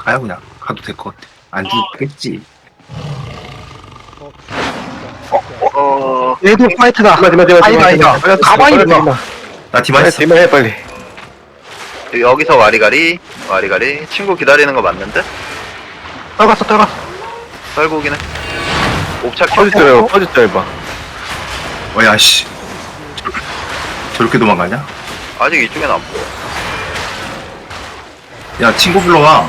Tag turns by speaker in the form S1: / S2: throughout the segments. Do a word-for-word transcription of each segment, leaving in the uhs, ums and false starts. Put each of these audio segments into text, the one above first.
S1: 가요 그냥. 가도 될 것 같아. 안 죽겠지.
S2: 어,
S3: 얘도 파이트다.
S4: 디마 디마 디마
S3: 아니다, 아니다.
S4: 디마
S3: 가만히
S4: 디마
S3: 있어.
S1: 나 디마
S4: 빨리
S1: 있어.
S4: 디마 해 빨리.
S2: 여기서 와리가리, 와리가리. 친구 기다리는 거 맞는데?
S3: 떨갔어, 떨갔어.
S2: 떨고긴 해. 옵차 켜.
S4: 퍼졌어요 퍼졌어요 봐.
S1: 어야 씨. 저렇게 도망가냐?
S2: 아직 이쪽엔 안 보여.
S1: 야 친구 불러와.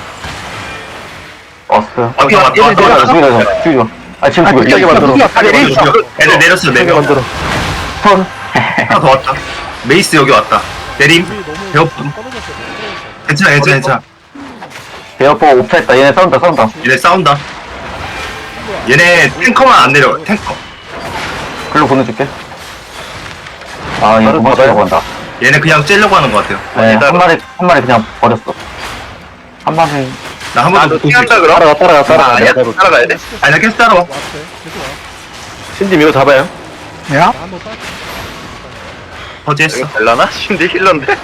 S5: 왔어요.
S1: 왔다 왔다 왔다.
S3: 얘네
S1: 왔다.
S5: 죽이자, 죽이자. 아, 지금
S3: 아,
S5: 죽여.
S3: 진짜
S5: 이거 만들어.
S3: 우리가 다 내려 있어.
S1: 애들 내렸어 네
S4: 이거
S1: 명.
S4: 만들어.
S5: 턴.
S1: 하나 더 왔다. 메이스 여기 왔다. 내림. 배고픔. 괜찮아 괜찮아 괜찮아.
S5: 대어포가 옵차했다. 얘네 싸운다, 싸운다.
S1: 얘네 싸운다. 얘네 탱커만 안 내려. 탱커.
S5: 글로 보내줄게. 아, 얘
S4: 바로
S5: 도망치려고 한다.
S1: 얘네 그냥 째려고 하는 것 같아요.
S5: 네,
S2: 기다려.
S5: 한 마리, 한 마리 그냥 버렸어. 한 마리.
S1: 나 한
S2: 아,
S1: 번도
S2: 너
S1: 못 보고
S2: 뛰한다
S1: 있어.
S2: 그럼?
S4: 따라가 따라가
S2: 아,
S4: 따라가.
S2: 아니야.
S4: 내가 따라가.
S2: 따라가야 돼?
S1: 아니 나 계속 따라와.
S4: 신dim 이거 잡아요.
S3: 야?
S1: 퍼지했어.
S2: 이거 될라나? 신디 힐러인데?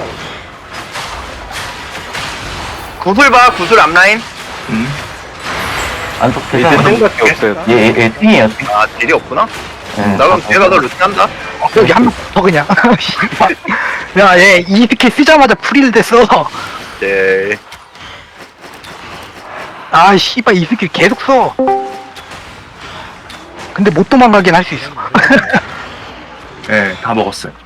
S2: 구슬 봐, 구슬 앞라인.
S1: 음.
S5: 안쪽
S4: 이제
S5: 괜찮아.
S4: 땡밖에 없어요.
S5: 얘, 얘, 얘 띵이에요, 띵.
S2: 아, 딜이 없구나?
S5: 네.
S2: 나 그럼 뒤에 가서 루트 한다?
S3: 여기 한 명 더 그냥. 야, 얘 이 스킬 쓰자마자 프릴 됐어.
S2: 네.
S3: 아, 씨발, 이 스킬 계속 써. 근데 못 도망가긴 할 수 있어.
S1: 예, 다 먹었어요.